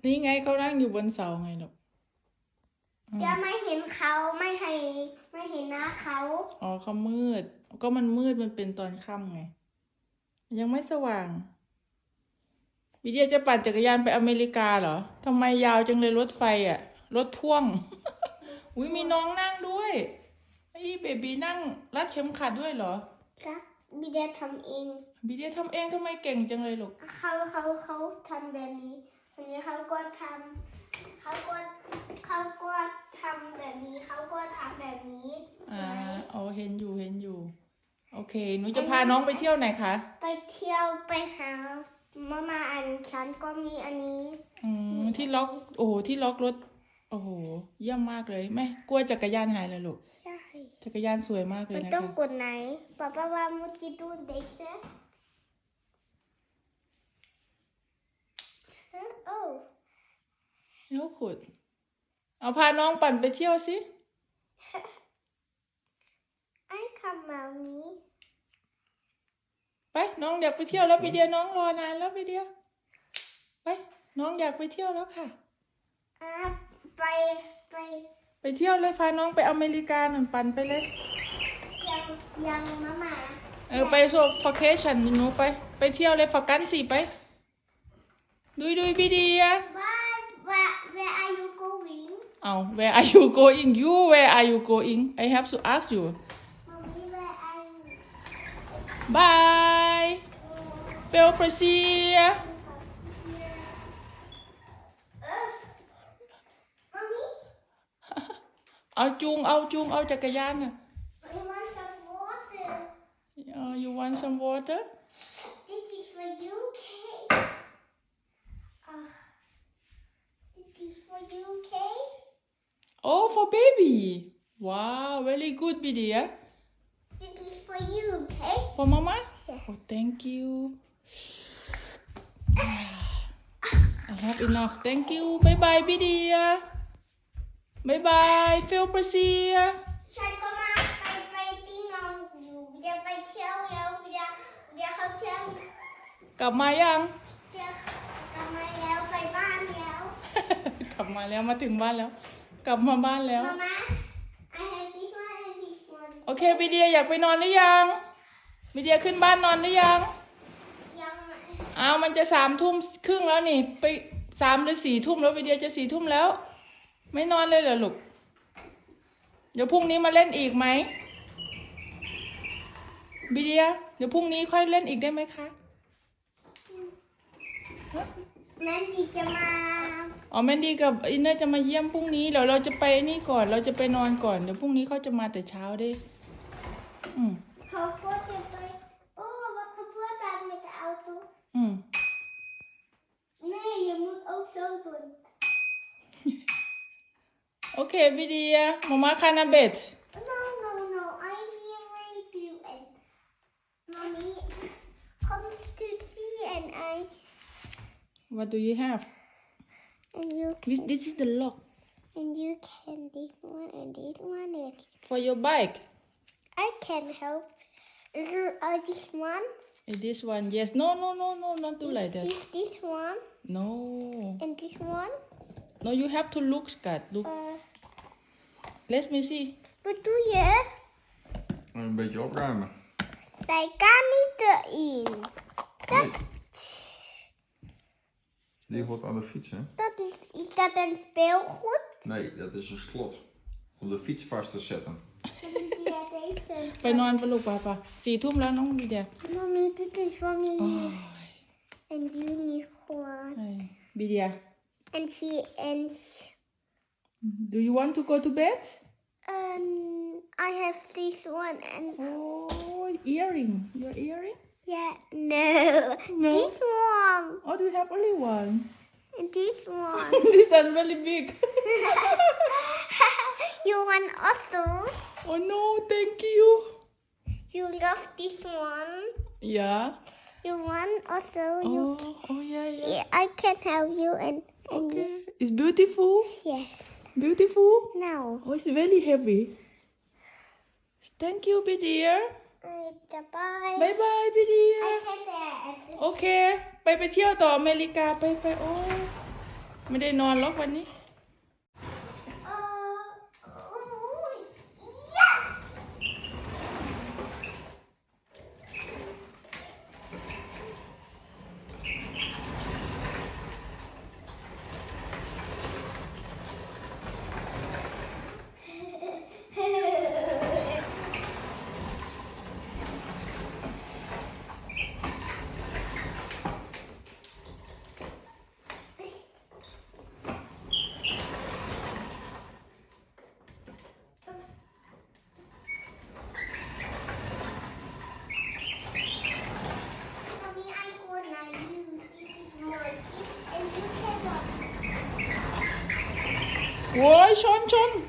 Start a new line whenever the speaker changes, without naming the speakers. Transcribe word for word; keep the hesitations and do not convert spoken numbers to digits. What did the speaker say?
นี่ไงเขานั่งอยู่บนเสาไงลูก
จะไม่เห็นเขาไม่ให้ไม่เห็นหน้าเขา
อ๋อเขามืดก็มันมืดมันเป็นตอนค่ำไงยังไม่สว่างวิเดียจะปั่นจักรยานไปอเมริกาเหรอทำไมยาวจังเลยรถไฟอ่ะรถพ่วง อุ้ยมีน้องนั่งด้วยไอ้เบบีนั่งรัดเข็มขัดด้วยเหรอ
ครับบิเดียทำเอง
บิเดียทำเองทำไมเก่งจังเลยลูก
เขาเขาเขาทำแบบนี้วันนี้เขาก็ทำเขาก็เขาก็ทำแบบนี้เขาก็ทำแบบนี้
อ่าอ๋อเห็นอยู่เห็นอยู่โอเคหนูจะพาน้องไปเที่ยวไหนคะ
ไปเที่ยวไปหามามาอันฉันก็มีอันนี้
อืมที่ล็อกโอ้โหที่ล็อกรถโอ้โหเยี่ยมมากเลยแม่กลัวจักรยานหายเลยลูก
ใช่
จักรยานสวยมากเลย
มัน
นะคะ
ต้องกดไหนป๊าป๊าว่ามุจิดูเด็กเซ่โอ้
เฮ้ยขุดเอาพาน้องปั่นไปเที่ยวสิ
ไอ้คำแบบนี้
ไปน้องอยากไปเที่ยวแล้วไปเดียวน้องรอนานแล้วไปเดียวไปน้องอยากไปเที่ยวแล้วค่ะ
อ่าไปไป
ไปเที่ยวเลยพาน้องไปอเมริกาหน่อยปั่นไปเลย
ยังยังมามา
เออไปโซฟาเคชั่นหนูไปไปเที่ยวเลยฝากกันสิไปดุยดุยพี่เดีย
Where where where are you going
เอา where are you going you where are you going I have to ask you
Mommy where are you
bye feel free
เออ Mommy
เอาจูงเอาจูงเอาจักรยานน่ะ
I want some water
uh, you want some water
This is for you okay uh, This is for you okay
oh for baby wow very good Bidia
This is for you okay
for mama
Yes.
oh thank you I have enough thank you bye bye Bidia bye bye feel free
ฉันก็มาไปไปที่นอนอยู่เดี๋ยวไปเที่ยวแล้วเดี๋ยวเดี๋ยวเขาเที่ยว
กลับมายัง
เดี๋ยวกลับมาแล้วไปบ้านแล้ว
กลับมาแล้วมาถึงบ้านแล้ว กลับมาบ้านแล้ว
มาม่า I have this one and this one
โอเคบิเดียอยากไปนอนหรือยังบิเดียขึ้นบ้านนอนหรือยัง
ยังไม่
อ้าวมันจะสามทุ่มครึ่งแล้วนี่ไปสามหรือสี่ทุ่มแล้วบิเดียจะสี่ทุ่มแล้ว ไม่นอนเลยเหรอลูกเดี๋ยวพรุ่งนี้มาเล่นอีกไหมบิเดียเดี๋ยวพรุ่งนี้ค่อยเล่นอีกได้ไหมคะ
แม่ดีจะมา
อ๋อแมนดี้กับอินเนอร์จะมาเยี่ยมพรุ่งนี้เดี๋ยวเราจะไปนี่ก่อนเราจะไปนอนก่อนเดี๋ยวพรุ่งนี้เขาจะมาแต่เช้าได้อืม
เขาก็จะไปโอ้ wat gebeurt daar met de auto
อืม
nee je moet ook zo doen
โอเคบิเดียมาม่าคานาเบต
no no no I'm here with you and mommy comes to see and I
What do you have
and you
This this is the lock
and you can this one and this one is
for your bike
I can help uh, this one
And this one yes no no no no not do like that
this this one
No
and this one
No you have to look Scott look
uh,
Let me see
wat doe je?
Een beetje opruimen.
Zij kan niet erin. Dat,
Die hoort aan de fiets, hè?
dat is, is dat een speelgoed?
Nee, dat is een slot. Om de fiets vast te zetten.
Ja, deze.
ไปนอนไปลูกป่ะป่ะสี่ทุ่มแล้วน้องบิเดีย
Mommy, dit is voor me.
โอ้ย
En jullie gewoon.
ไอ้บิเดีย
En she and
Do you want to go to bed
um, I have this one and
Oh earring your earring
yeah, no,
No.
this one
Oh do you have only one
and this one.
This one very big
You want also?
Oh no thank you
You love this one?
Yeah
You want also? You
Oh oh yeah yeah
yeah, I can help you and and
Okay it's beautiful
yes.
Beautiful
Now.
Oh it's very heavy Thank you Bidia
Bye.
Bye bye Bidia
I can uh,
โอเค ไปไปเที่ยวต่ออเมริกาไปไปโอ้แไม่ได้นอนหรอกวันนี้
เอออุ้ยยะ Mommy, I go now. You, this is your gift, and you cannot.
โว้ยชนชน